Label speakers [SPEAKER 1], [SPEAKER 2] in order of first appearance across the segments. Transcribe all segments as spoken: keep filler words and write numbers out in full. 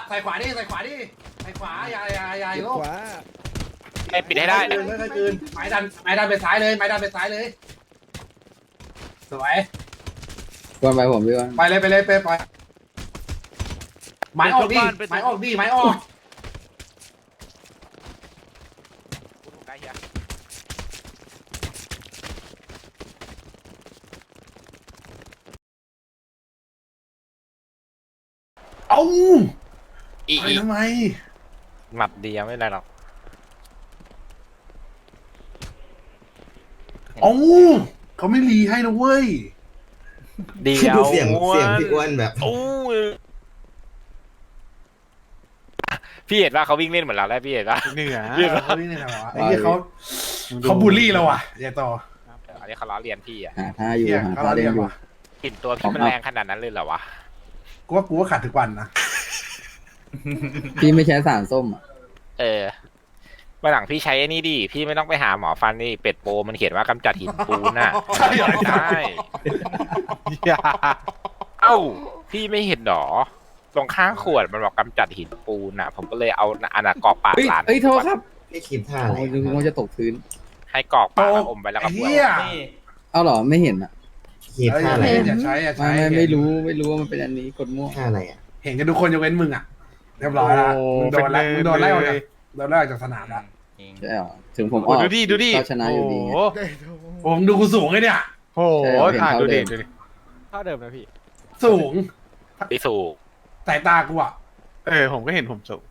[SPEAKER 1] ใส่ขวาดิใส่ขวาดิใส่ขวาอย่าอย่าอย่าโยก
[SPEAKER 2] ขวา
[SPEAKER 3] ให้ปิดให้ได้
[SPEAKER 1] คืนไม่ค่อยคืนไม้ดันไม้ดันไปซ้ายเลยไม้ดันไปซ้ายเลยสวย
[SPEAKER 2] วนไปผมพี่วัน
[SPEAKER 1] ไปเลยไปเลยไปไปไม้ออกดิไม้ออกดิไม้ออกเอ้า
[SPEAKER 3] อี
[SPEAKER 1] ไป
[SPEAKER 3] อี
[SPEAKER 1] ทำไม
[SPEAKER 3] หมัดเดียวไม่เป็นไรหรอก
[SPEAKER 1] เอ้าเขาไม่รีให้นะเว้ย
[SPEAKER 3] เดียว
[SPEAKER 4] เสียงเสียงพี่อ้วนแบบ
[SPEAKER 3] โอ้ยพี่เห็นว่าเขาวิ่งเล่นเหมือนเราแล้วพี่เห็นว่า
[SPEAKER 1] เหนื่อย
[SPEAKER 3] เรียก
[SPEAKER 1] เขานี่เนี่ยเหรอไอ้เหี้ยเขาเขาบูลลี่เราอ่ะอย่าต่อ
[SPEAKER 3] อันนี้เขาล้อเลียนพี่อ่ะ
[SPEAKER 2] หาท่าอยู่
[SPEAKER 1] เหี้ย
[SPEAKER 2] หา
[SPEAKER 1] เขา
[SPEAKER 2] ท่า
[SPEAKER 1] เรี
[SPEAKER 2] เล่
[SPEAKER 1] ย
[SPEAKER 2] น
[SPEAKER 1] น
[SPEAKER 2] อยู่
[SPEAKER 1] ว่ะ
[SPEAKER 3] กลิ่นตัวพี่มันแรงขนาดนั้นเลยเหรอวะ
[SPEAKER 1] กูว่ากูว่าขาดทุกวันนะ
[SPEAKER 2] พี่ไม่ใช้สารส้มอ่ะ
[SPEAKER 3] เออวันหลังพี่ใช้ไอ้นี่ดิพี่ไม่ต้องไปหาหมอฟันนี่เป็ดโปมันเขียนว่ากำจัดหินปูนน่ะ
[SPEAKER 1] ใช่เหรอ
[SPEAKER 3] ใช่เอ้าพี่ไม่เห็นหรอตรงข้างขวดมันบอกกำจัดหินปูนน่ะ ผมก็เลยเอาอันน่ะกรอกปาก
[SPEAKER 2] เฮ้ย
[SPEAKER 3] หลาน
[SPEAKER 2] เฮ้ยโทษครับ
[SPEAKER 4] พี่คิดท่าอะไร
[SPEAKER 2] โอ้ยนึกว่าจะตกพื้น
[SPEAKER 3] ให้กรอกปากแล้วอมไปแล้วก็
[SPEAKER 1] ไอ้
[SPEAKER 3] บ้ว
[SPEAKER 1] เหี้ย
[SPEAKER 2] เอาเหรอไม่เห็นอ่ะ
[SPEAKER 4] คิด
[SPEAKER 1] เอ้ย
[SPEAKER 4] ท่าอะไร
[SPEAKER 1] อย่าใช้อย่า
[SPEAKER 2] ไม่
[SPEAKER 1] ใช้
[SPEAKER 2] ไม่ไม่รู้ไม่รู้ว่ามันเป็นอันนี้กดมั่ว
[SPEAKER 4] ท่าอะไรอ่ะ
[SPEAKER 1] เห็นกันทุกคนยกเว้นมึงอ่ะเรียบร้อยละมึงโดนไล่มึงโดนไล่ออกจากโดนไล่ออกจากสนามละ
[SPEAKER 2] ใช่เหรอถึงผมออก
[SPEAKER 5] ดูดิดูดิ
[SPEAKER 2] ก็ชนะอยู่ดีไง
[SPEAKER 1] ผมดูกูสูงไอ้เนี่ย
[SPEAKER 5] โอ้โห
[SPEAKER 2] ใช่เหรอเห็น
[SPEAKER 5] อ่ะ
[SPEAKER 2] เท่า
[SPEAKER 5] ดูดิ
[SPEAKER 2] เดิม
[SPEAKER 5] ดูดิเท่าเดิมนะพี่
[SPEAKER 1] สูง
[SPEAKER 3] พี่สูก
[SPEAKER 1] สายตากูอ่ะ
[SPEAKER 5] เออผมก็เห็นผมสูง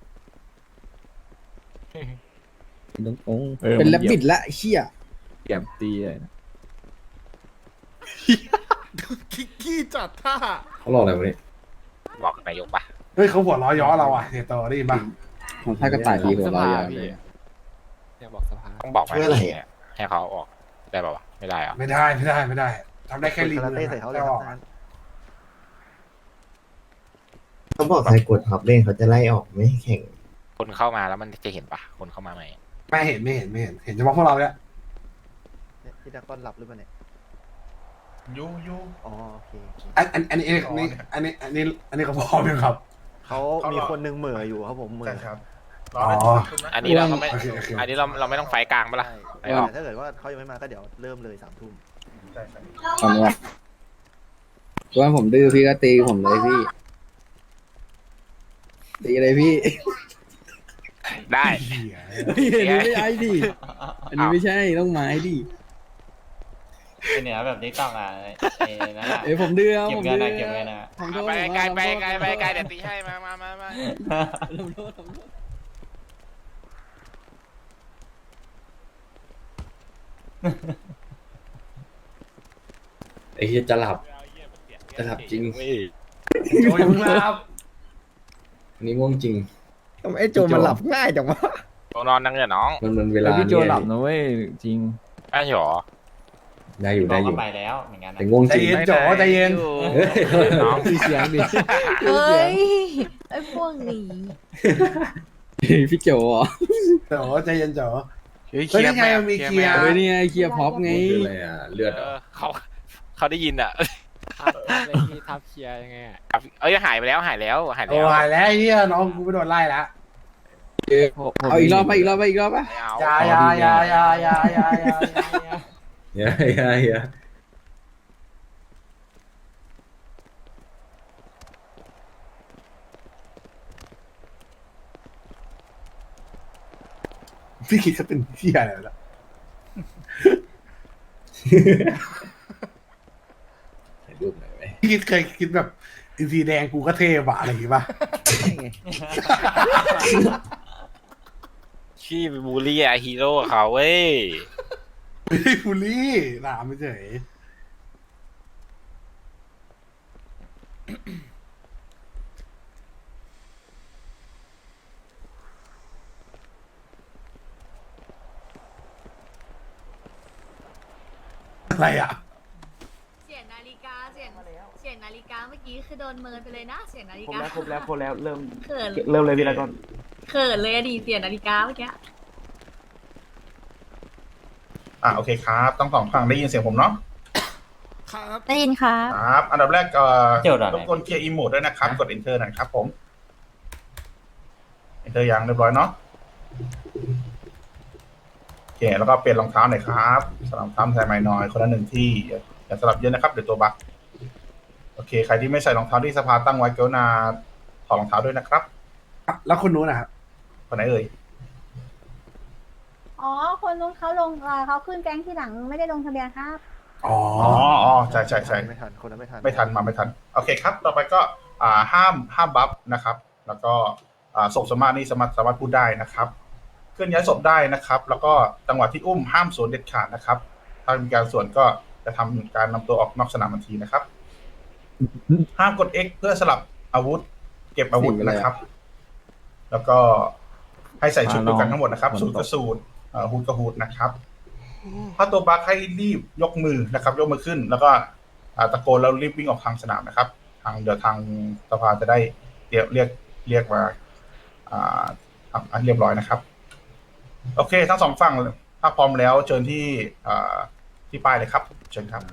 [SPEAKER 2] เป็นแลบบิดละเชี่ย
[SPEAKER 6] เก็บตีเลยนะ
[SPEAKER 5] ขี้จัดท่า
[SPEAKER 6] เขาหลอกอะไรวะเนี่ย
[SPEAKER 3] บอกนายกปะ
[SPEAKER 1] เฮ้ยเขาหัวล้อย้อเราอ่ะเฮโตได้ยินปะ
[SPEAKER 2] ของท่ากระต่ายดีหัวเราะอย่างเลย
[SPEAKER 5] อยากบอกสภา
[SPEAKER 3] ต้องบอกไหม
[SPEAKER 4] เพื่ออะไรอ่ะ
[SPEAKER 3] ให้เขาเอาออกได้ป่าวะไม่ได้เหรอ
[SPEAKER 1] ไม่ได้ไม่ได้ไม่ได้ทำได้แค่รีบเลย
[SPEAKER 4] เขาบอกใครกดท็อปเล่นเขาจะไล่ออกไม่ให้แข่ง
[SPEAKER 3] คนเข้ามาแล้วมันจะเห็นปะคนเข้ามาใหม่
[SPEAKER 1] ไม่เห็นไม่เห็นไม่เห็นเห็นเฉพาะพวกเราเนี่ย
[SPEAKER 7] พี่ดากอนหลับหรือเปล่าเนี่ย
[SPEAKER 5] ยูยู
[SPEAKER 7] อ๋อโอเคโอเค
[SPEAKER 1] อันอันอันนี้อันนี้อันนี้อันนี้อันนี้เขาพร้อมยังครับ
[SPEAKER 7] เขามีคนหนึงเหม่ออยู่ครับผมเหม่อ
[SPEAKER 1] อ๋อ
[SPEAKER 3] อันนี้เราก็ไม่
[SPEAKER 1] โอเคโอเค
[SPEAKER 3] อันนี้เราเราไม่ต้องไฟกลางปะล่ะ
[SPEAKER 7] ใช่
[SPEAKER 3] ไม่ออก
[SPEAKER 7] แต่ถ้าเกิดว่าเขายังไม่มาก็เดี๋ยวเริ่มเลยสามทุ่ม
[SPEAKER 2] ตอนนี้ว่าผมดื้อพี่ก็ตีผมเลยพี่ ตีเลยพี่
[SPEAKER 3] ได้
[SPEAKER 1] เหี้ย
[SPEAKER 2] อันนี้ไม่ใช่ดิอันนี้ไม่ใช่ต้องไม้ดิ
[SPEAKER 8] เป็นเหนือแบบนี้ต้องอ่ะไอ้นั่นอ่ะ
[SPEAKER 2] เอ้ยผมดื้อ
[SPEAKER 8] เก็บ
[SPEAKER 2] ผม
[SPEAKER 8] เงิน
[SPEAKER 2] ดื้อ
[SPEAKER 8] นะเก็บเงินนะ
[SPEAKER 2] ผมโทษ
[SPEAKER 3] ไปไกลไป
[SPEAKER 2] ผม
[SPEAKER 3] ไกล
[SPEAKER 2] โทษ
[SPEAKER 3] ไปไกลเดี๋ยวตีให้มามามามา
[SPEAKER 2] ผมโทษผมโทษ
[SPEAKER 6] ไอ้เหี้ยจะหลับ จะหลับจริง
[SPEAKER 1] โอ้ยมึงรับ
[SPEAKER 6] อันนี้ง่วงจริง
[SPEAKER 2] ทำไมไอ้โจมันหลับง่ายจังวะ
[SPEAKER 3] ตัวนอนนั่งเนี่ยน้อง
[SPEAKER 6] มันมันเวลา
[SPEAKER 9] พี่โจ
[SPEAKER 6] เนี่ย
[SPEAKER 9] หลับนะเว้ยจริง
[SPEAKER 3] ได้หรอ
[SPEAKER 6] ได้อยู่
[SPEAKER 8] บอ
[SPEAKER 6] ได้
[SPEAKER 8] ก
[SPEAKER 6] อ
[SPEAKER 8] ก็
[SPEAKER 6] ยู่
[SPEAKER 8] ไปแล้วเหมือนกันนะ
[SPEAKER 6] แต่ง่วง
[SPEAKER 1] ใจ
[SPEAKER 6] จริง
[SPEAKER 1] เย็นโจใจเย็น
[SPEAKER 6] เฮ้ย
[SPEAKER 3] น้อง
[SPEAKER 2] ดูเสียงดิ
[SPEAKER 10] เอ้ย ไอ้พวกนี้
[SPEAKER 2] พี่โจเหรอ
[SPEAKER 1] โจใจเย็นโจ
[SPEAKER 5] เฮ้ย
[SPEAKER 1] เฮ้ยยังไงมันมีเคลียร์
[SPEAKER 2] เฮ้ยนี่ไงเคลียร์พ็อปไง
[SPEAKER 6] คืออะไรอ่ะ เลือด
[SPEAKER 3] เอ
[SPEAKER 6] เหรอ
[SPEAKER 3] อเขาเขาได้ยินอ่ะ
[SPEAKER 5] ทับอะไรพี่ทับเคลียร์ยังไงอ่ะ
[SPEAKER 3] เอ้ยหายไปแล้วหายแล้วหาย
[SPEAKER 1] โอ้
[SPEAKER 3] แล้ว
[SPEAKER 1] หายแล้วไอ้เฮียน้องกูไม่โดนไล่แล้ว
[SPEAKER 2] เอาอีกรอบไปอีกรอบไปอีกรอบปะ
[SPEAKER 3] ไม่เอา
[SPEAKER 1] อยาอยาอยาอยาอยาอยาอยาอยา
[SPEAKER 6] เฮ้ยเฮ้ยเฮ้ย
[SPEAKER 1] พี่คิดจะเป็นเฮียอะไรล่ะ
[SPEAKER 6] ถ่ายรูปหน่อยไหม
[SPEAKER 1] พี่คิดเคยคิดแบบอินซีแดงกูก็เทพอะอะไรอย่างงี้ป่ะ
[SPEAKER 3] ขี้ไปบูลลี่ไอฮีโร่เขาเว้ย
[SPEAKER 1] ไม่ได้ฟูลี่ถามไม่เฉยอะไรอ่ะ
[SPEAKER 10] เสียงนาฬิกา เสียง เสียงนาฬิกาเมื่อกี้คือโดนเมินไปเลยนะ เสียงนาฬิ
[SPEAKER 9] ครบ
[SPEAKER 10] กา
[SPEAKER 9] แล้วครบแล้วครบแล้วเริ่ม
[SPEAKER 10] เขิน
[SPEAKER 9] เริ่มเลยพี่ละก่อน
[SPEAKER 10] เขินเลยอะดีเสียงนาฬิกาเมื่อกี้
[SPEAKER 11] อ่าโอเคครับต้องสองฝั่งได้ยินเสียงผมเนาะ
[SPEAKER 10] ได้ยินค่ะ
[SPEAKER 11] ครับ อันดับแรกเอ่อ
[SPEAKER 8] เจ้าด่าน
[SPEAKER 11] รบกวนเคลียร์อีโมดด้วยนะครับ กด enter นะครับผมเจอยังเรียบร้อยเนาะโอเคแล้วก็เปลี่ยนรองเท้าหน่อยครับสลับรองเท้าใส่ใหม่หน่อยคนละหนึ่งที่อย่าสลับเยอะนะครับเดี๋ยวตัวบั๊กโอเคใครที่ไม่ใส่รองเท้าที่สภาตั้งไว้กรุณาถอดรองเท้าด้วยนะครับ
[SPEAKER 1] แล้วคนนู้นนะครับ
[SPEAKER 11] คนไหนเอ่ย
[SPEAKER 10] อ๋อ คนนู้นเขาลงเอ่อเขาขึ้นแก๊งที่หลังไม่ได้ลงทะเบียนครับ
[SPEAKER 1] อ๋อ
[SPEAKER 11] อ๋ออ๋อใช่ใช่ใช่
[SPEAKER 7] ไม่ทันคนนั้นไม่ทัน
[SPEAKER 11] ไม่ทันมาไม่ทันโอเคครับต่อไปก็อ่าห้ามห้ามบัฟนะครับ แล้วก็อ่าศพสมมานี่สามารถสามารถพูดได้นะครับเคลื่อนย้ายศพได้นะครับ แล้วก็จังหวะที่อุ้มห้ามสวนเด็ดขาดนะครับ ถ้ามีการสวนก็จะทำการนำตัวออกนอกสนามทันทีนะครับ ห้ามกด X เพื่อสลับอาวุธ เก็บอาวุธนะครับ แล้วก็ให้ใส่ชุดเดียวกันทั้งหมดนะครับสูทกับสูทเอ่อฮูดกับฮูดนะครับ ถ้าตัวบัคให้รีบยกมือนะครับ ยกมือขึ้น แล้วก็อ่าตะโกนแล้วรีบวิ่งออกทางสนามนะครับ ทางเดี๋ยวทางสภาจะได้เรียกเรียกเรียกมาอ่าทำเรียบร้อยนะครับ โอเค ทั้งสองฝั่งถ้าพร้อมแล้วเชิญที่อ่าที่ป้ายเลยครับเชิญครับ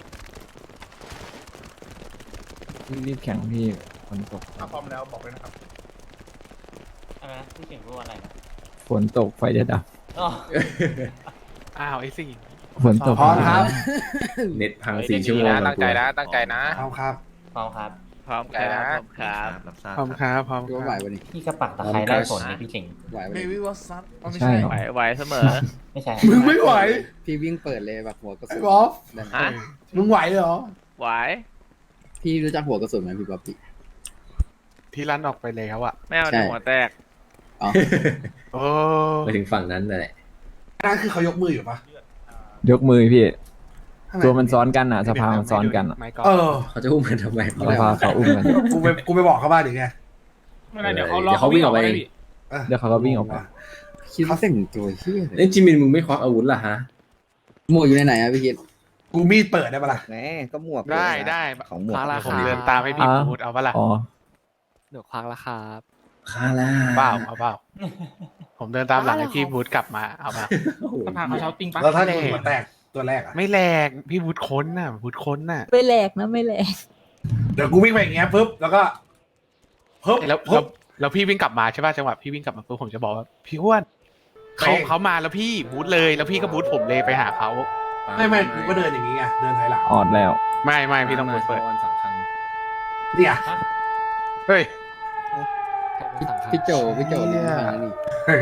[SPEAKER 9] รีบแข่งพี่ฝนตก
[SPEAKER 11] ถ้าพร้อมแล้วบอกเลยนะครับ
[SPEAKER 8] อะไรนะพี่เก่งพูดว่าอะไรนะ
[SPEAKER 9] ฝนตกไฟจะดับ
[SPEAKER 8] อ๋อ
[SPEAKER 3] อ้าวไอ้สิ
[SPEAKER 9] ฝนตก
[SPEAKER 1] พร้อมครับ
[SPEAKER 6] เน็ตพัง
[SPEAKER 3] เฮ้ย
[SPEAKER 6] สี่ชั่วโมง
[SPEAKER 3] นะตั้งใจนะตั้งใจนะ
[SPEAKER 1] เอาครับ
[SPEAKER 8] พร้อมครับ
[SPEAKER 3] พร้อมใจนะ
[SPEAKER 5] รับทราบ
[SPEAKER 3] พร้อมครับพร้อม
[SPEAKER 2] พี่ว่าไหววันนี้
[SPEAKER 8] พี่กระปักตะไคร้ได้ผลนี่พี่เก่ง
[SPEAKER 2] ไหววัน
[SPEAKER 5] เบ
[SPEAKER 2] นี้
[SPEAKER 5] บี้วอซับไม่
[SPEAKER 9] ใช่
[SPEAKER 5] ใช่
[SPEAKER 9] เหรอ
[SPEAKER 3] ไหวไหวเสมอ
[SPEAKER 8] ไม่ใช่
[SPEAKER 1] มึงไม่ไหว
[SPEAKER 2] พี่วิ่งเปิดเลยแบบหัวกระสุน
[SPEAKER 1] กอล์ฟ
[SPEAKER 2] ได้ไหม
[SPEAKER 3] ฮะ
[SPEAKER 1] มึงไหวเลยเหรอ
[SPEAKER 3] ไหว
[SPEAKER 2] พี่รู้จักหัวกระสุนไหมพี่บ๊อบบี้
[SPEAKER 3] ที่ลั่นออกไปแล้วอะไม่เอา
[SPEAKER 2] ใช่
[SPEAKER 3] หัวแตก
[SPEAKER 2] อ๋อ
[SPEAKER 3] โอ้
[SPEAKER 6] ไปถึงฝั่งนั้นแหละ
[SPEAKER 1] นั่นคือเขายกมืออยู่ปะ
[SPEAKER 9] ยกมือพี่
[SPEAKER 1] ข้างใน
[SPEAKER 9] ตัวมันซ้อนกันอ่ะสภามันซ้อนกันอ่ะ
[SPEAKER 3] ไม่ก็
[SPEAKER 1] เออ
[SPEAKER 6] เขาจะอุ้มกันทำไม
[SPEAKER 9] สภาเขาอุ้มกัน
[SPEAKER 1] กูไปกูไปบอกเขาบ้างดิไง
[SPEAKER 3] ไม่เป็นไรเดี๋ยวเขา
[SPEAKER 6] เดี๋ยวเขาวิ่งออกไปเอง
[SPEAKER 1] ออ
[SPEAKER 9] เดี๋ยวเขาก็วิ่งออกไป
[SPEAKER 2] คิดว่าแต่งตัวเฮี้ยเล
[SPEAKER 6] เอ้
[SPEAKER 2] ย
[SPEAKER 6] ยจิมินมึงไม่ควักอาวุธล่ะฮะ
[SPEAKER 2] หมวกอยู่ในไหนอะพี่คิด
[SPEAKER 1] กูมีดเปิดได้ปะล่ะ
[SPEAKER 2] แหมก็หมวก
[SPEAKER 3] ได้ได้
[SPEAKER 2] ของหมวก
[SPEAKER 5] คารา
[SPEAKER 3] ผม
[SPEAKER 5] คา
[SPEAKER 3] เดินตามให้พี่
[SPEAKER 9] อ่า
[SPEAKER 3] พูดเอาปะล่ะ
[SPEAKER 9] อ๋อ
[SPEAKER 5] เดี๋ยวควักแล้วครับ
[SPEAKER 6] คาร่า
[SPEAKER 3] เปล่าเอาเปล่าผมเดินตามหลังให้พี่พูดกลับมาเอามา
[SPEAKER 6] โอ้โห
[SPEAKER 3] สภาเขาเช้าติ้งปะ
[SPEAKER 1] แล้วถ้า
[SPEAKER 3] ไม่
[SPEAKER 1] กู
[SPEAKER 3] แหล
[SPEAKER 1] หัวแตกตัวแรกอะ
[SPEAKER 3] ไม่แหลกพี่พูดค้นน่ะพูดค้นน่ะ
[SPEAKER 10] ไม่แหลกนะไม่แหลก
[SPEAKER 1] เดี๋ยวกูวิ่งไปอย่างเงี้ยปุ๊บแล้วก็ปุ๊บ
[SPEAKER 3] แล้ว
[SPEAKER 1] ปุ๊
[SPEAKER 3] แล้ว
[SPEAKER 1] บ
[SPEAKER 3] แล้วพี่วิ่งกลับมาใช่ป่ะจังหวะพี่วิ่งกลับมาปุ๊บผมจะบอกว่าพี่อ้วนเขา
[SPEAKER 1] ไม่
[SPEAKER 3] เขามาแล้วพี่บูทเลยแล้วพี่ก็บูทผมเลยไปหาเขา
[SPEAKER 1] ไม่ไม่กูก็เดินอย่างงี้ไงเดินถอยหลัง
[SPEAKER 9] ออดแล้ว
[SPEAKER 3] ไม่ไม่พี่ต้องบูทเปิด
[SPEAKER 6] วันสำคัญ
[SPEAKER 1] เนี่ย
[SPEAKER 3] เฮ้ย
[SPEAKER 2] พี่โจพี่โจลิ้นทางนี่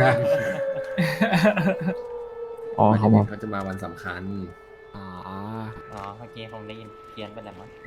[SPEAKER 9] อ๋อเขาบอก
[SPEAKER 6] เขาจะมาวันสำคัญ
[SPEAKER 5] อ๋อ
[SPEAKER 8] อ๋อเมื่อกี้ผมได้ยินเพี้ยนไปแล้วมั้ง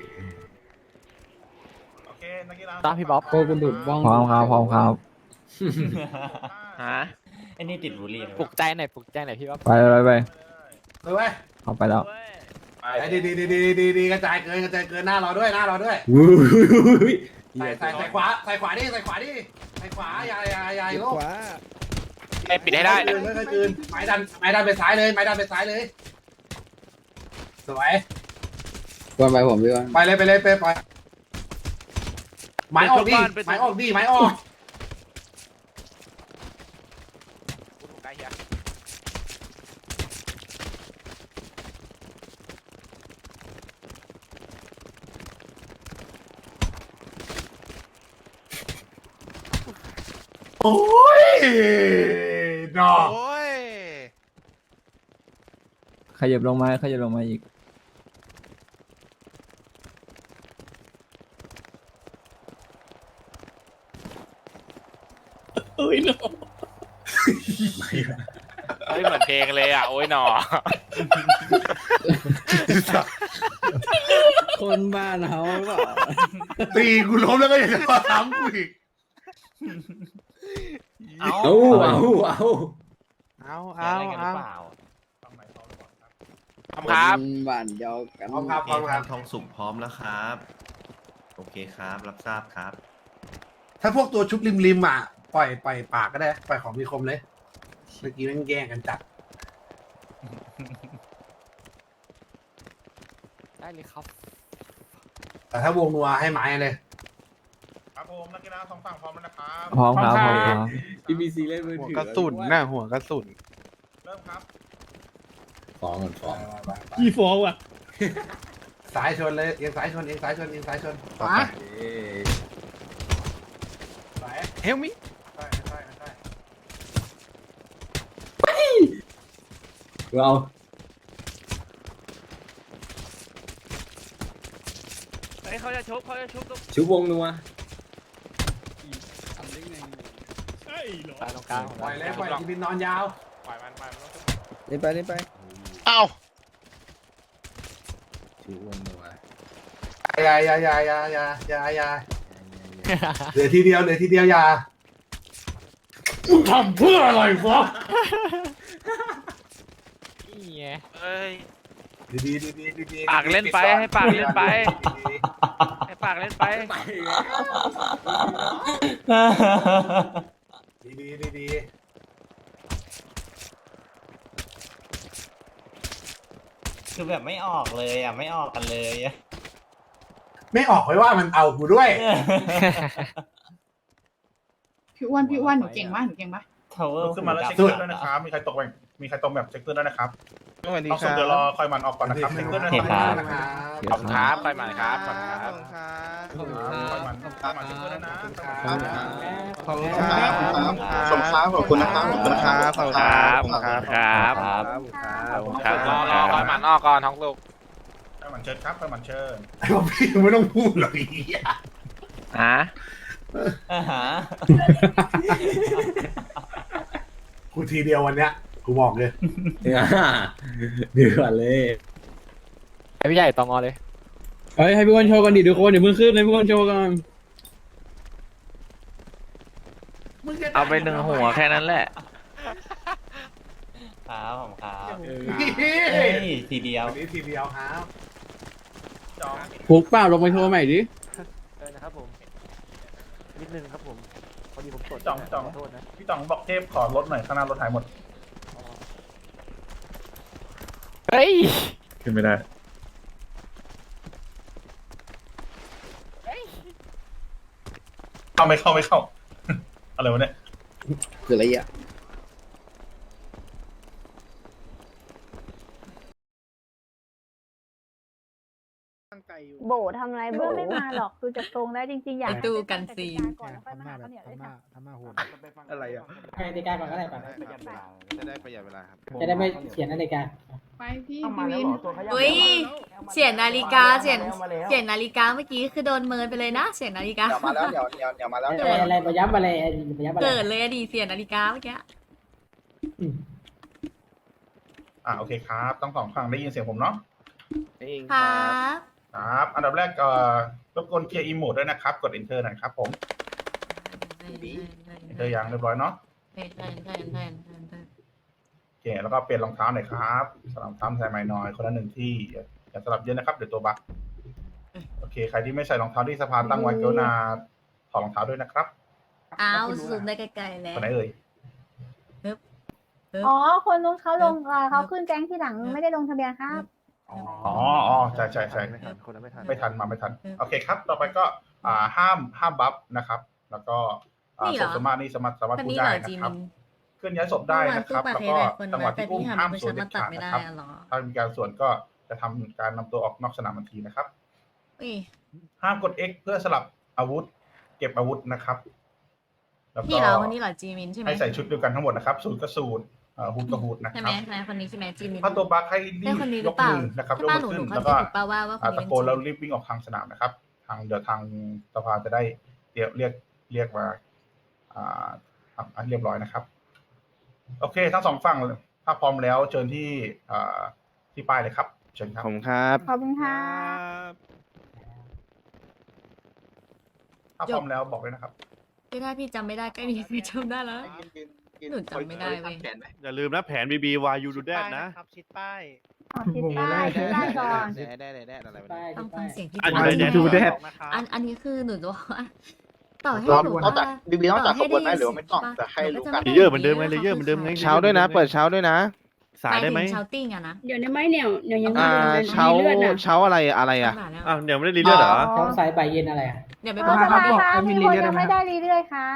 [SPEAKER 11] โอเคนักกีฬา
[SPEAKER 5] ตามพี่บ๊อบ
[SPEAKER 2] โกกระดุดบ้อง
[SPEAKER 9] พร้อมครับพร้อมครับ
[SPEAKER 3] ฮะ
[SPEAKER 8] ไอ้นี่ติดบุหรี่เลย
[SPEAKER 5] ปลุกใจหน่อยปลุกใจหน่อยพี่บ๊อบ
[SPEAKER 9] ไปไปไป
[SPEAKER 1] เลยเว้ย
[SPEAKER 9] เอาไปแล้ว
[SPEAKER 1] ไอ้ดีดีดีดีดีดีกระจายเกินกระจายเกินหน้าเราด้วยหน้าเราด้วย
[SPEAKER 6] วุ้ย
[SPEAKER 1] ใส่ใส่ใส่ขวาใส่ขวาดิใส่ขวาดิใส่ขวาอย่าอย่าอย่าอย่าโลก
[SPEAKER 3] ไม่ปิดให้ได้
[SPEAKER 1] ไม่
[SPEAKER 3] นะ
[SPEAKER 1] ค่อยคืนไม้ดันไม้ดันไปซ้ายเลยไม้ดันไปซ้ายเลยสวย
[SPEAKER 2] วนไปผมพี่ว่า
[SPEAKER 1] ไปเลยไปเลยไปไปไม้ออกดิไม้ออกดิไม้ออก
[SPEAKER 3] ได้เฮีย
[SPEAKER 1] โอ้ยดอก
[SPEAKER 3] โอ้ย
[SPEAKER 9] ขยับลงมาขยับลงมาอีก
[SPEAKER 3] เฮ้ยเหมือนเพลงเลยอ่ะโอ้ยหนอ
[SPEAKER 2] คนบ้านเขาหรือเปล่า
[SPEAKER 1] ตีกูล้มแล้วก็ยังจะมาทำกูอีก
[SPEAKER 8] เอา
[SPEAKER 6] เอาเอาเอา
[SPEAKER 3] เอา
[SPEAKER 8] เอา
[SPEAKER 3] เอา
[SPEAKER 8] กันหรื
[SPEAKER 3] เอา
[SPEAKER 8] อเปล่า
[SPEAKER 3] ทำครับ
[SPEAKER 2] นบ้านเดียวกัน
[SPEAKER 1] พร้อมครับพร้อมครับ
[SPEAKER 5] ทองสุกพร้อมแล้วครับ โอเคครับ รับทราบครับ
[SPEAKER 1] ถ้าพวกตัวชุบริมริมอ่ะปล่อยปล่อยปากก็ได้ปล่อยของมีคมเลยเมื่อกี้แม่งแย่งกันจัด
[SPEAKER 5] ได้เลยครับ
[SPEAKER 1] แต่ถ้าวงนัวให้ไม้เลย
[SPEAKER 11] ครับผมนักกีฬาสองฝั่งพร้อมแล้วนะครับ
[SPEAKER 9] พร้อมครับพร้อมครับ
[SPEAKER 6] พี่บีซีเล่นมือ
[SPEAKER 3] หัว
[SPEAKER 6] ถือก
[SPEAKER 3] ระสุนน่ะหัวกระสุน
[SPEAKER 11] เริ่มครับ
[SPEAKER 6] ฟ้องก่อนฟ้อง
[SPEAKER 2] พี่ฟองว่ะ
[SPEAKER 1] สายชนเลยเอียงสายชนเอียงสายชนเอียงสายชนขวา
[SPEAKER 6] เอ้ย
[SPEAKER 1] สาย
[SPEAKER 3] เฮลมิ
[SPEAKER 1] สายส
[SPEAKER 6] เอา
[SPEAKER 3] เฮ้ยเขาจะชุบเขาจะชุบ
[SPEAKER 6] ชุบวงนัว
[SPEAKER 7] ตายตรงกลาง
[SPEAKER 1] ปล่อยเลยปล่อยจีบินนอนยาว
[SPEAKER 3] ปล่อยมันปล่อยมันต้องชุบ
[SPEAKER 2] เล่นไปเล่นไป
[SPEAKER 3] อ้าว
[SPEAKER 6] ชุบวงนัว
[SPEAKER 1] อย่าอย่าอย่าอย่าอย่าอย่าอย่าเหลือทีเดียวเหลือทีเดียวอย่ามึงทำเพื่ออะไรวะ
[SPEAKER 3] นี่ไงเอ้ย
[SPEAKER 1] ดีดีดีดีดี
[SPEAKER 3] ปากเล่นไปให้ปากเล่นไป ให้ปากเล่นไป
[SPEAKER 1] ดีดีดีดี
[SPEAKER 8] คือแบบไม่ออกเลยอ่ะไม่ออกกันเลยอะ
[SPEAKER 1] ไม่ออกไว้ว่ามันเอากูด้วย
[SPEAKER 10] พี่อ้วนพี่อ้วนหนูเก่งมากหนูเก่งปะ
[SPEAKER 8] ทาวเวอร์
[SPEAKER 11] ขึ้นมาแล้วเช็คเพื่อนด้วยนะครับ มีใครตกแบ่งมีใครตกแบบเช็คเพื่อนด้วยนะครับเอาส่งเดี๋ยวรอคอยมันออกก่อนนะครับเช็คเพื่อนด้วยนะครับ
[SPEAKER 3] ขอบคุณครับไปมาครับขอบคุณครับ
[SPEAKER 11] คอยมันคอยมันเช็คเพื่อนด้วยนะ
[SPEAKER 2] ขอบคุณครับสมค้าขอบคุณนะครับขอบคุณนะครับ
[SPEAKER 3] ขอบคุณครับขอบคุณครับครับ
[SPEAKER 8] ครับ
[SPEAKER 3] ขอบคุณครับรอรอคอยมันออกก่อนท้องลูก
[SPEAKER 11] คอยมันเชิญครับคอยมันเชิญ
[SPEAKER 1] ไอ้พวกพี่ไม่ต้องพูดหรอกไอ้เหี้ย
[SPEAKER 3] ฮะ
[SPEAKER 8] อ่าฮะ
[SPEAKER 1] กูทีเดียววันเนี้ยกูบอกเลย
[SPEAKER 6] อ่าเดือดเลย
[SPEAKER 9] ไอพี่ใหญ่ตองอเลย
[SPEAKER 2] เฮ้ยให้พี่วันโชว์กันดิทุกคนเดี๋ยวเพิ่งขึ้นให้พี่วันโชว์กัน
[SPEAKER 3] เอาไปหนึ่งหัวแค่นั้นแหละ
[SPEAKER 8] ครับผมครับ
[SPEAKER 1] เฮ้
[SPEAKER 8] เฮ้
[SPEAKER 1] ย
[SPEAKER 8] ยทีเดียว
[SPEAKER 1] วันนี้ทีเดียวครับ
[SPEAKER 11] จอง
[SPEAKER 2] ผูกเปล่าลงไปโชว์ใหม่ดิ
[SPEAKER 7] เออนะครับผมนิดนึงครับผมพอดีผมสด
[SPEAKER 11] จองจอง
[SPEAKER 7] ขอโทษนะ
[SPEAKER 11] พี่ตองบอกเทพขอรถหน่อยข้างหน้ารถหายหมด
[SPEAKER 3] เฮ้ย
[SPEAKER 6] ขึ้นไม่ได้
[SPEAKER 11] เข้าไม่เข้าไม่เข้า อะไรวะเนี่ย
[SPEAKER 2] คืออะไรอ่ะ
[SPEAKER 10] โบทำอะไรเบื้องไม่มาหรอกดูจากทรงแล้วจริงๆอยาก
[SPEAKER 12] ดูกันสิ
[SPEAKER 10] ก่อนแล้วค่อยมาหาข้าวเหนียวด้วยค่ะ
[SPEAKER 2] อะไรอ่ะ
[SPEAKER 8] ให้นาฬิกาก่อนก็ได้ก่อน
[SPEAKER 2] จะได้ประหยัดเวลาครับ
[SPEAKER 8] จะได้ไม่เขียนนาฬิกา
[SPEAKER 12] ไปพี่
[SPEAKER 7] ต้องมา
[SPEAKER 12] พี่
[SPEAKER 7] แล้ว
[SPEAKER 12] วิน
[SPEAKER 7] เหรอตัวขยับ
[SPEAKER 10] อุ้ยเสียนาฬิกาเสีย
[SPEAKER 7] มาแล้ว
[SPEAKER 10] เสียนาฬิกาเมื่อกี้คือโดนเมินไปเลยนะเสียนาฬิกา
[SPEAKER 2] เดี๋ยวมาแล้วเดี๋ยวเดี๋ยวเดี๋ยวมาแล้ว
[SPEAKER 8] อะไรอะไรประยับอะไรประยับอะไร
[SPEAKER 10] เกิดเลยอะดีเสียนาฬิกาเมื่อกี้
[SPEAKER 11] อ่าโอเคครับต้องสองฝั่งได้ยินเสียงผมเนาะ
[SPEAKER 10] ครับ
[SPEAKER 11] ครับ อันดับแรกเอ่อรบกวนเคลียร์อีโมดด้วยนะครับ กด enter หน่อยครับผม enter ยังเรียบร้อยเนาะ โอเค แล้วก็เปลี่ยนรองเท้าหน่อยครับสลับรองเท้าใส่ใหม่หน่อยคนละหนึ่งที่อย่าสลับเยอะนะครับเดี๋ยวตัวบั๊กโอเค ใครที่ไม่ใส่รองเท้าที่สะพานตั้งไว้กรุณาถอดรองเท้าด้วยนะครับ
[SPEAKER 10] อ้าวซูมได้ไกลๆแล้ว
[SPEAKER 11] คนไหนเอ่ย
[SPEAKER 10] อ๋อคนนู้นเขาลงเขาขึ้นแก๊งที่หลังไม่ได้ลงทะเบียนครับ
[SPEAKER 11] อ๋ออ๋อใช่ใช่ใช่
[SPEAKER 7] ไม่ทันคนนั้นไม่ทัน
[SPEAKER 11] ไม่ทันมาไม่ทัน โอเคครับ ต่อไปก็อ่าห้ามห้ามบัฟนะครับ แล้วก็อ่า
[SPEAKER 10] นี่เหร
[SPEAKER 11] ศ
[SPEAKER 10] อ
[SPEAKER 11] พสามารถนี่สามารถสามารถ
[SPEAKER 10] คน
[SPEAKER 11] พูด
[SPEAKER 10] นี้เห
[SPEAKER 11] ได้
[SPEAKER 10] รอจี
[SPEAKER 11] นะครับ
[SPEAKER 10] มิน
[SPEAKER 11] เคลื่อนย้ายศพได้นะครับ
[SPEAKER 10] เมื่อ
[SPEAKER 11] แล้ว
[SPEAKER 10] วาน
[SPEAKER 11] ก็
[SPEAKER 10] สู้
[SPEAKER 11] จังหวะ
[SPEAKER 10] แต่
[SPEAKER 11] ที่อุ้ม
[SPEAKER 10] พี่
[SPEAKER 11] ห้าม
[SPEAKER 10] หัน
[SPEAKER 11] สวน
[SPEAKER 10] ไป
[SPEAKER 11] เด็ด
[SPEAKER 10] ตัด
[SPEAKER 11] ขาด
[SPEAKER 10] ไม่
[SPEAKER 11] นะ
[SPEAKER 10] ได้
[SPEAKER 11] ครับ
[SPEAKER 10] อะเหรอ
[SPEAKER 11] ถ้ามีการสวนก็จะทำการนำตัวออกนอกสนามทันทีนะครับ
[SPEAKER 10] อุ้ย
[SPEAKER 11] ห้ามกด X เพื่อสลับอาวุธ เก็บอาวุธนะครับแล้วก็
[SPEAKER 10] พี่เหรอคนนี้เหรอจีมินใช่ไหม
[SPEAKER 11] ให้ใส่ชุดเดียวกันทั้งหมดนะครับสูทก็สูทเอ่อฮูดก็ฮูดนะ
[SPEAKER 10] ใช่
[SPEAKER 11] ค
[SPEAKER 10] ไหม
[SPEAKER 11] รับ
[SPEAKER 10] ใช่ไหมคนนี้ใช่ไหมจีมิน
[SPEAKER 11] ถ้าตัวบัคให้รี
[SPEAKER 10] ใช่
[SPEAKER 11] บ
[SPEAKER 10] คนนี้ห
[SPEAKER 11] ย
[SPEAKER 10] รือก เปล่า
[SPEAKER 11] มือนะครับย
[SPEAKER 10] ใช่
[SPEAKER 11] ก
[SPEAKER 10] ป้า
[SPEAKER 11] มื
[SPEAKER 10] หนู
[SPEAKER 11] อ
[SPEAKER 10] ห
[SPEAKER 11] ขึ้
[SPEAKER 10] นู
[SPEAKER 11] น
[SPEAKER 10] เข้า
[SPEAKER 11] แล้ว
[SPEAKER 10] ใจ
[SPEAKER 11] ก็
[SPEAKER 10] ถูกป่าว่าว่าคน
[SPEAKER 11] อ่า
[SPEAKER 10] นี้
[SPEAKER 11] ตะ
[SPEAKER 10] เป็น
[SPEAKER 11] โกน
[SPEAKER 10] จี
[SPEAKER 11] แล้ว
[SPEAKER 10] มิน
[SPEAKER 11] รีบวิ่งออกทางสนามนะครับ ทางเดี๋ยวทางสภาจะได้เรียกเรียกเรียกมาอ่าอ่ะเรียบร้อยนะครับ โอเค ทั้งสองฝั่งถ้าพร้อมแล้วเชิญที่อ่าที่ป้ายเลยครับเชิญครับ
[SPEAKER 2] ผมครับ
[SPEAKER 10] ขอบคุณค่ะ
[SPEAKER 11] ถ้าพร้อมแล้วบอกเลยนะครับ
[SPEAKER 10] ไม่ได้พี่จำไม่ได้ใกล้มีใครจำได้แล้ว หนูจำไม่ได้เว้ย
[SPEAKER 5] อย่าลืมนะแผนบีบีวายูดูแดดนะ
[SPEAKER 7] ชิดป้าย
[SPEAKER 10] อ๋อทิศใต้ทิศใต้ก่อน
[SPEAKER 2] ได้ได้ได้ได้อะไรวะ
[SPEAKER 8] ไป
[SPEAKER 10] ต้องฟังเสียงพี่
[SPEAKER 5] อัน
[SPEAKER 10] ปา
[SPEAKER 5] นี้
[SPEAKER 10] ย
[SPEAKER 5] ดูแดด
[SPEAKER 10] อันอันนี้คือหนูจะบอกว่าต่อให้
[SPEAKER 2] รอ
[SPEAKER 10] หนู
[SPEAKER 2] นอกจาก
[SPEAKER 10] ว่า
[SPEAKER 2] บีบีนอกจาก
[SPEAKER 10] ต่
[SPEAKER 2] ขบวนไหมหรือว่าไม่ต้อง
[SPEAKER 10] ใช่ปะ
[SPEAKER 2] แต่ให้รู้กัน
[SPEAKER 10] หนู
[SPEAKER 5] เลเยอร์เหมือนเดิมไงเลเยอร์เหมือนเดิมไง
[SPEAKER 2] เช้าด้วยนะ เปิดเช้าด้วยนะ
[SPEAKER 5] สายได้ไหม
[SPEAKER 10] เช้าติ้งอะนะ
[SPEAKER 12] เดี๋ยวนี้ไม่เนี่ยเดี๋ยวยังไม่
[SPEAKER 2] อ่า
[SPEAKER 12] เดิน
[SPEAKER 2] เช้า
[SPEAKER 12] มีเลือดน่ะ
[SPEAKER 2] เช้าอะไรอะไรอ่ะ
[SPEAKER 5] อ้าวเดี๋ยวไม่ได้รีเลือดเหรอ
[SPEAKER 8] เขาสายบ่ายเย็นอะไรอ่ะ
[SPEAKER 10] เดี๋ยวไป
[SPEAKER 12] บบ อ
[SPEAKER 10] อก ก
[SPEAKER 12] สบาย
[SPEAKER 10] ว่า
[SPEAKER 12] ครับมีคนยังไม่ได้
[SPEAKER 10] เรื่อยๆครับ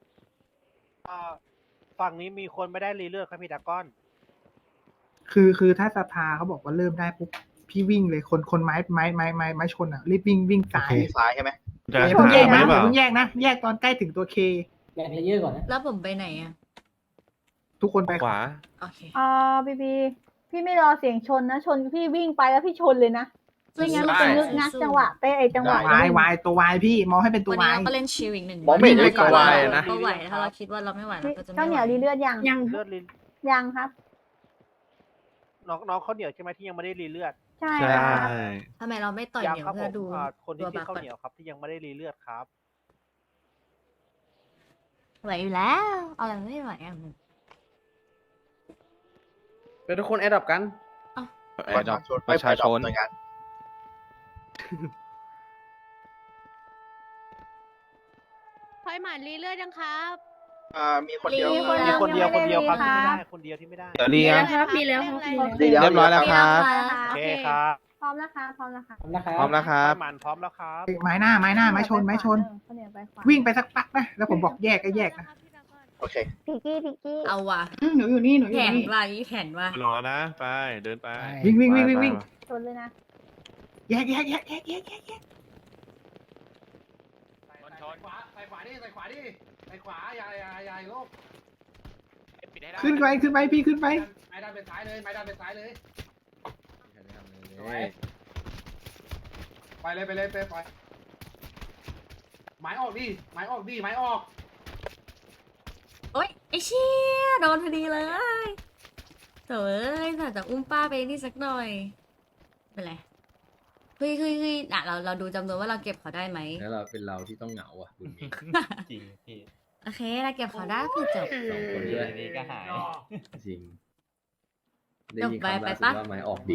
[SPEAKER 7] ฝั่งนี้มีคนไม่ได้รีเลือดครับพี่ดากอน
[SPEAKER 13] คือคือถ้าสภาเขาบอกว่าเริ่มได้ปุ๊บพี่วิ่งเลยคนคนไม้ไม้ไม้ไม้ไม้ชนอ่ะรีบวิ่งวิ่งสาย
[SPEAKER 2] ซ้ายใช่ไหม
[SPEAKER 5] จะ
[SPEAKER 13] อย่าเพิ่งแยก
[SPEAKER 5] ไหม
[SPEAKER 13] นะ
[SPEAKER 5] หรือ
[SPEAKER 13] อ
[SPEAKER 5] เปล่า
[SPEAKER 13] ย่าเพิ่งแยกนะ แยกตอนใกล้ถึงตัวเค
[SPEAKER 8] แบ่งเลเยอร์ก่อนนะ
[SPEAKER 10] แล้วผมไปไหนอะ
[SPEAKER 13] ทุกคนไป
[SPEAKER 5] ขวา
[SPEAKER 10] โอเค
[SPEAKER 12] อ่าบีบีพี่ไม่รอเสียงชนนะ ชนพี่วิ่งไปแล้วพี่ชนเลยนะไม่งั้นมันจะนึกงักจังหวะเต้ไอจังหวะ
[SPEAKER 13] วายวายตัววายพี่มองให้เป็นตัว
[SPEAKER 10] วันนี้
[SPEAKER 13] วาย
[SPEAKER 10] เราก็เล่นชิลอีกหนึ่ง
[SPEAKER 2] มองไม่เห็นเลยตัววายนะ
[SPEAKER 10] ก็ไหวถ้าเราคิดว่าเราไม่ไหวเราก็จะ
[SPEAKER 12] ข้าว
[SPEAKER 10] ไม่
[SPEAKER 12] เห
[SPEAKER 10] ไหว
[SPEAKER 12] นียวรีเลือดยัง
[SPEAKER 7] ยังเลือดลิน
[SPEAKER 12] ยังครับ
[SPEAKER 7] น้องน้องข้าวเหนียวใช่ไหมที่ยังไม่ได้รีเลือด
[SPEAKER 12] ใช่ครับ
[SPEAKER 10] ทำไมเราไม่ต่อย
[SPEAKER 7] ยัง
[SPEAKER 10] เหนียว
[SPEAKER 7] ครับผ
[SPEAKER 10] เพื่อ
[SPEAKER 7] ม
[SPEAKER 10] ดู
[SPEAKER 7] อ่าคนที่
[SPEAKER 10] ตัว
[SPEAKER 7] ชื่
[SPEAKER 10] บั
[SPEAKER 7] อก ข้าว
[SPEAKER 10] ก่อน
[SPEAKER 7] เหนียวครับที่ยังไม่ได้รีเลือดครับ
[SPEAKER 10] ไหวอยู่แล้วเอาอะไรไม่ไหวอ่ะ
[SPEAKER 2] เป็นทุกคนแอดดับกัน
[SPEAKER 3] ประชาชนประชาชน
[SPEAKER 12] พอยหมันรีเลือดยังครับ
[SPEAKER 2] อ่ามีคนเดียว
[SPEAKER 12] มีคน
[SPEAKER 7] มีคนเดียวคนเดียวครับ
[SPEAKER 12] ยัง
[SPEAKER 7] ที่
[SPEAKER 12] ไม่
[SPEAKER 7] ไม่
[SPEAKER 12] ได้
[SPEAKER 7] ได้คนเดียวที่ไม่ได้
[SPEAKER 3] เดี๋ยวนี้
[SPEAKER 12] ครับมีแล้วครับมีแล้ว
[SPEAKER 2] เรียบร้อยแล้วครับ
[SPEAKER 7] โอเคครับ
[SPEAKER 12] พร้อมแล้วครับพร้อมแล้วครับ
[SPEAKER 3] พร้อมแล้วครับ
[SPEAKER 7] หมันพร้อมแล้วครับ
[SPEAKER 13] ไม้หน้าไม้หน้าไม้ชนไม้ชน
[SPEAKER 12] ข้าวเหนียวไปขวา
[SPEAKER 13] วิ่งไปสักพักนะแล้วผมบอกแยกก็แยกนะ
[SPEAKER 2] โอเค
[SPEAKER 12] พิกกี้พิกกี้
[SPEAKER 10] เอาว่ะ
[SPEAKER 12] หนูอยู่นี่หนูอ
[SPEAKER 10] แผ
[SPEAKER 12] ยู่
[SPEAKER 10] น
[SPEAKER 12] นี่
[SPEAKER 10] ว่าอีแผนว่า
[SPEAKER 6] รอนะ ไป เดินไป
[SPEAKER 13] วิ่งวิ่งวิ่งวิ่งวิ่ง
[SPEAKER 12] ชนเลยนะ
[SPEAKER 13] แยกแยกแยกแยกแยกแยกแยก
[SPEAKER 1] ใส่ขวาใส่ขวาดิใส่ขวาดิใส่ขวาอย่าอย่าอย่าโลก
[SPEAKER 13] ขึ้นไปขึ้นไปพี่ขึ้นไป
[SPEAKER 1] ไม้ด้านเป็นซ้ายเลยไม้ด้านเป็นซ้ายเลยไปเลยไปเลยไปไปไม้ออกดิไม้ออกดิไม้ออก
[SPEAKER 10] โอ๊ยไอเชี่ยโดนพอดีเลยโถ่เอ้ยแต่จะอุ้มป้าไปนี่สักหน่อยเป็นไรเฮ้ยเฮ้ยเฮ้ยอ่ะเราเราดูจำนวนว่าเราเก็บเขาได้ไหม
[SPEAKER 6] แล้วเราเป็นเราที่ต้องเหงาอ่ะคุณนี้
[SPEAKER 8] จริงพี่
[SPEAKER 10] โอเคเราเก็บเขาได้คือจบ
[SPEAKER 6] สองคนด้วย
[SPEAKER 8] นี่ก็หาย
[SPEAKER 6] จริง ได้
[SPEAKER 10] จบ
[SPEAKER 6] ยิน
[SPEAKER 10] ไป
[SPEAKER 6] คำ
[SPEAKER 10] ไป
[SPEAKER 6] ล่าสุด
[SPEAKER 10] ปะ
[SPEAKER 6] ว่าไม้ออกดิ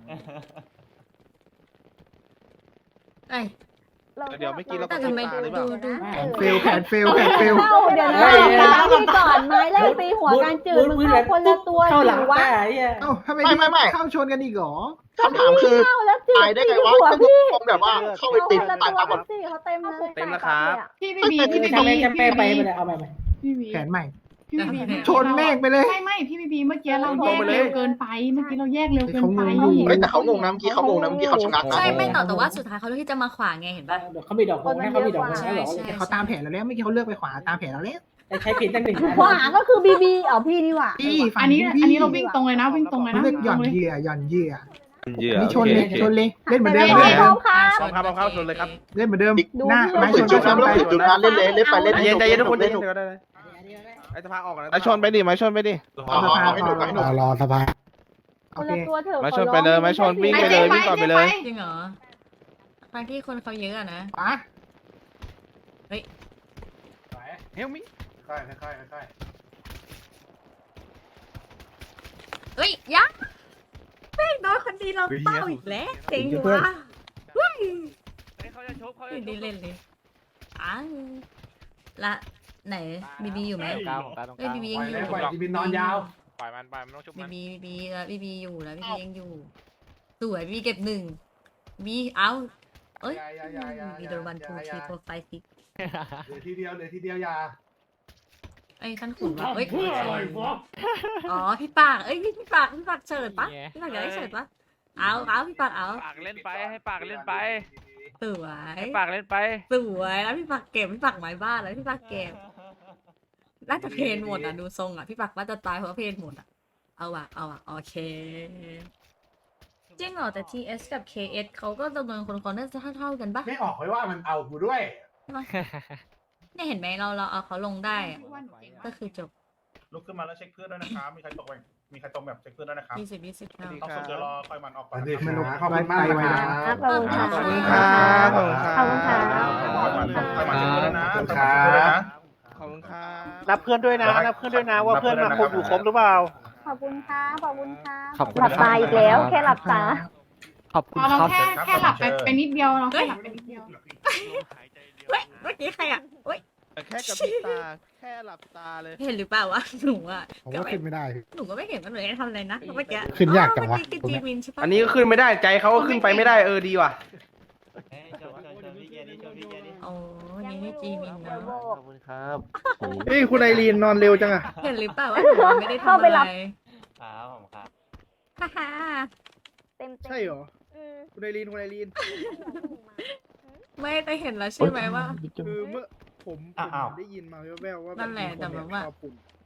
[SPEAKER 10] เอ้ย
[SPEAKER 12] เดี๋ยวไม่กินเรา
[SPEAKER 10] แต่ทำไมดูดูดู
[SPEAKER 13] เฟลแผนเฟลแผนเฟล
[SPEAKER 12] เข้าเดี๋ยวนะเอาพี่ก่อนไม้แรกตีหัวการจืดมึงเข้าคนละตัวอยู่วะ
[SPEAKER 13] เอ้าทำไม
[SPEAKER 2] ไม่ไม่ไม่
[SPEAKER 13] เข้าชนกันอีกเหรอ
[SPEAKER 2] คำถามคือ
[SPEAKER 12] เข้าแล้วจืด
[SPEAKER 2] ตายได้ไงวะ
[SPEAKER 12] หัว
[SPEAKER 2] ก็
[SPEAKER 12] พี่
[SPEAKER 2] คงแบบว่าเข้าไปติด
[SPEAKER 12] เข้า
[SPEAKER 2] ตาย
[SPEAKER 12] คน
[SPEAKER 2] ตามหม
[SPEAKER 12] ละ
[SPEAKER 2] ด
[SPEAKER 12] ตัวสิเขาเต็มเลย
[SPEAKER 2] เต็มแล้วครับ
[SPEAKER 12] พี่ไม่มีพี่ไม่มีพี่ไม่มีเอาไปพี่มี
[SPEAKER 13] แผนใหม่
[SPEAKER 12] พี่ไม่มี
[SPEAKER 13] ชนแม่งไปเลย
[SPEAKER 12] ไม่ไม่พี่ไม่มีเมื่อกี้เราแยกเร็วเกินไปเมื่อกี้เราแยกเร็วเกินไป
[SPEAKER 2] เฮ้ยแต่เขางงนะเมื่อกี้เขางงนะเมื่อกี้เขาชะงักนะ
[SPEAKER 10] ใช่ไม่ต่อแต่ว่าสุดท้ายเขาเลือกที่จะมาขวางไงเห็นปะ
[SPEAKER 13] เขามีดอก
[SPEAKER 12] คนมันเยอะกว่า
[SPEAKER 10] ใช่ใช่
[SPEAKER 13] เขาตามแผนเราแล้วเมื่อกี้เขาเลือกไปขวาตามแผนเราแล้ว
[SPEAKER 2] ใช้ผิดตั้งหนึ่ง
[SPEAKER 12] ขวาก็คือบีบีอ๋อพี่นี่หว่า
[SPEAKER 13] พี่ฝั่ง
[SPEAKER 12] อันนี้
[SPEAKER 13] พี่
[SPEAKER 12] อันนี้เราวิ่งตรงเลยนะวิ่งตรงเลยนะ
[SPEAKER 13] เลือกหย่อนเหยื่อหย่อนเหยื่อ
[SPEAKER 3] เหยื่อ
[SPEAKER 13] นี่ชนเลยชนเลยเล่นเหมือนเดิม
[SPEAKER 12] ไม่
[SPEAKER 13] เล่นเหมือน
[SPEAKER 12] พร้
[SPEAKER 13] เดิ
[SPEAKER 12] อ
[SPEAKER 13] ม
[SPEAKER 12] มครับ
[SPEAKER 7] พร้อมครับพร้อมครับชนเลยครับ
[SPEAKER 13] เล่นเหมือนเดิม
[SPEAKER 12] ดู
[SPEAKER 13] หน้า
[SPEAKER 12] พี่
[SPEAKER 13] ไม้
[SPEAKER 2] ฝื
[SPEAKER 13] ช
[SPEAKER 2] น
[SPEAKER 13] น
[SPEAKER 2] จุด
[SPEAKER 13] ช
[SPEAKER 2] นะ
[SPEAKER 13] น
[SPEAKER 2] ไม่
[SPEAKER 13] ไป
[SPEAKER 2] ต้องฝืนจุดนะเล่นเลยเล่นไปเล่น
[SPEAKER 7] ใจเย็นใจเย็นทุกคน
[SPEAKER 2] เล่น
[SPEAKER 7] ไอ้สภาออกแล้ว
[SPEAKER 3] ไม้ชนไปดิไม้ชนไปดิ
[SPEAKER 2] อ๋อให้หนุกให้หนุก
[SPEAKER 13] รอสภา
[SPEAKER 12] ค
[SPEAKER 13] โอน เค
[SPEAKER 12] ละตัวเถอะ
[SPEAKER 3] ไม้ชนไปเลยไม้ชนวิ่งไปเลยวิ่งต่อไปเลย
[SPEAKER 10] จริงเหรอทางที่คนเขาเยอะอะนะ
[SPEAKER 13] ขวา
[SPEAKER 1] ไปเฮลมิค่อยค่อยค่อย
[SPEAKER 10] เฮ้ยยักษ์แม่งโดนคนดีเราเป้าอีกแล้วเจ๋งว่ะเฮ้ย
[SPEAKER 7] เขาจะชกเขา
[SPEAKER 10] ไม่
[SPEAKER 7] จะช
[SPEAKER 10] ได้
[SPEAKER 7] ก
[SPEAKER 10] เล่นเลยอ้าวละไหนบีบีอยู่ไหมเอ้ยบีบี
[SPEAKER 1] ป
[SPEAKER 10] ยั
[SPEAKER 1] ล่
[SPEAKER 10] ง
[SPEAKER 1] อย
[SPEAKER 10] อ
[SPEAKER 1] เลย
[SPEAKER 10] ยู่
[SPEAKER 1] ปล่อยจีบินนอนยาว
[SPEAKER 3] ปล่อยมันไปมันต้องชุบ
[SPEAKER 10] บี
[SPEAKER 3] มัน
[SPEAKER 10] บีบีบีแล้วบีบีอยู่แล้วบีบียังอยู่สวยบีบีเก็บหนึ่งบีเอาเอ้ย
[SPEAKER 1] อย่าอย่าอย่าอย่า
[SPEAKER 10] บีโดนวันทูทีโปรไฟล์ซิก
[SPEAKER 1] เหลือทีเดียวเหลือทีเดียวอย่า
[SPEAKER 10] ไอ้ยท่านขุนวะเอ้ยอ๋อพี่ปากเอ้ยพี่พี่ปากพี่ปากเฉิดปะพี่ปากอยากได้เฉิดปะเอาเอาพี่ปากเอา
[SPEAKER 7] ปากเล่นไปให้ปากเล่นไป
[SPEAKER 10] สวย
[SPEAKER 7] ให้ปากเล่นไป
[SPEAKER 10] สวยแล้วพี่ปากเก็บพี่ปากหมายบ้านแล้วพี่ปากเก็บน่าจะเพนหมดอ่ะดูทรงอ่ะพี่ปากว่าจะตายเพราะว่าเพนหมดอ่ะเอาว่ะเอาว่ะโอเคจริงเหรอแต่ ที เอส กับ เค เอส เขาก็จำนวนคนคนน่าจะเท่าๆกันปะ
[SPEAKER 1] ไม่ออกไว้ว่ามันเอากูด้วย
[SPEAKER 10] เนี่ยเห็นไหมเราเราเอาเขาลงได้อะก็คือจบ
[SPEAKER 11] ลุกขึ้นมาแล้วเช็คเพื่อนด้วยนะครับมีใครตกไปมีใครตกแบบเช็คเพื่อนด้วยนะครับ
[SPEAKER 10] ยี่สิบยี่สิบเท่า
[SPEAKER 11] ต้องสุดเดี๋ยวรอคอยมันออกไป
[SPEAKER 1] สวัสดี
[SPEAKER 11] นะครับ
[SPEAKER 1] ครับขอบคุณมากนะครับ
[SPEAKER 12] ขอบคุณค่ะ
[SPEAKER 10] ขอบคุณ
[SPEAKER 3] ค
[SPEAKER 10] ค่ะ
[SPEAKER 3] รับ
[SPEAKER 12] ขอบคุณค่ะ
[SPEAKER 11] คอยมันคอยมันเช็คเพื่อนด้วยนะ
[SPEAKER 1] ขอบคุณ
[SPEAKER 11] คอยมันเช็คเพื่อนด้วยนะ
[SPEAKER 3] ขอบคุณครับ
[SPEAKER 7] นับเพื่อนด้วยนะนับเพื่อนด้วยนะว่าเพื่อนมาครบอยู่ครบหรือเปล่า
[SPEAKER 12] ขอบคุณค่ะขอบคุณค่ะ
[SPEAKER 9] ขอบคุณ
[SPEAKER 12] หลับตาอีกแล้วแค่หลับตา
[SPEAKER 9] ขอบคุณ
[SPEAKER 12] เรา
[SPEAKER 9] ครับ
[SPEAKER 12] แค่แค่หลับไปไปนิดเดียวเราแค่หลับไปนิดเดียว
[SPEAKER 10] เฮ้ยเมื่อกี้ใครอ่ะเฮ้ย
[SPEAKER 3] แค่กับพี่ตาแค่หลับตาเลย
[SPEAKER 10] เห็นหรือเปล่าวะหนูอ่ะ
[SPEAKER 9] ผมว่าขึ้นไม่ได้
[SPEAKER 10] หนูก็ไม่เห็นมันเลยทำอะไรนะเมื่อกี้
[SPEAKER 9] ขึ้นยากจังวะ
[SPEAKER 10] เมื่อกี้จีมินใช่ปะ
[SPEAKER 2] อันนี้ก็ขึ้นไม่ได้ใจเขาก็ขึ้นไปไม่ได้เออดีว่ะ
[SPEAKER 8] เฮ้ยชนชนชนพี่เกียร์ดิชนพี่เกียร์ดิ
[SPEAKER 10] โอ้นี่นี่จีมินนะ
[SPEAKER 7] ขอบคุณครับ
[SPEAKER 2] เฮ้ยคุณไอรีนนอนเร็วจังอะ
[SPEAKER 10] เห็นหรือเปล่าว่าหนูไม่ได้ทำอะไร
[SPEAKER 8] ครับผมครับ
[SPEAKER 10] ฮ่าฮ่า
[SPEAKER 12] เต็มเต็ม
[SPEAKER 2] ใช่เหรอคุณไอรีนคุณไอรีน
[SPEAKER 10] ไม่แต่เห็นแล้วใช่ไหมว่า
[SPEAKER 2] คือเมื่อผม
[SPEAKER 8] อ้าว
[SPEAKER 2] ได้ยินมาแว่วๆว่า
[SPEAKER 10] นั่นแหละแต่แบบว่า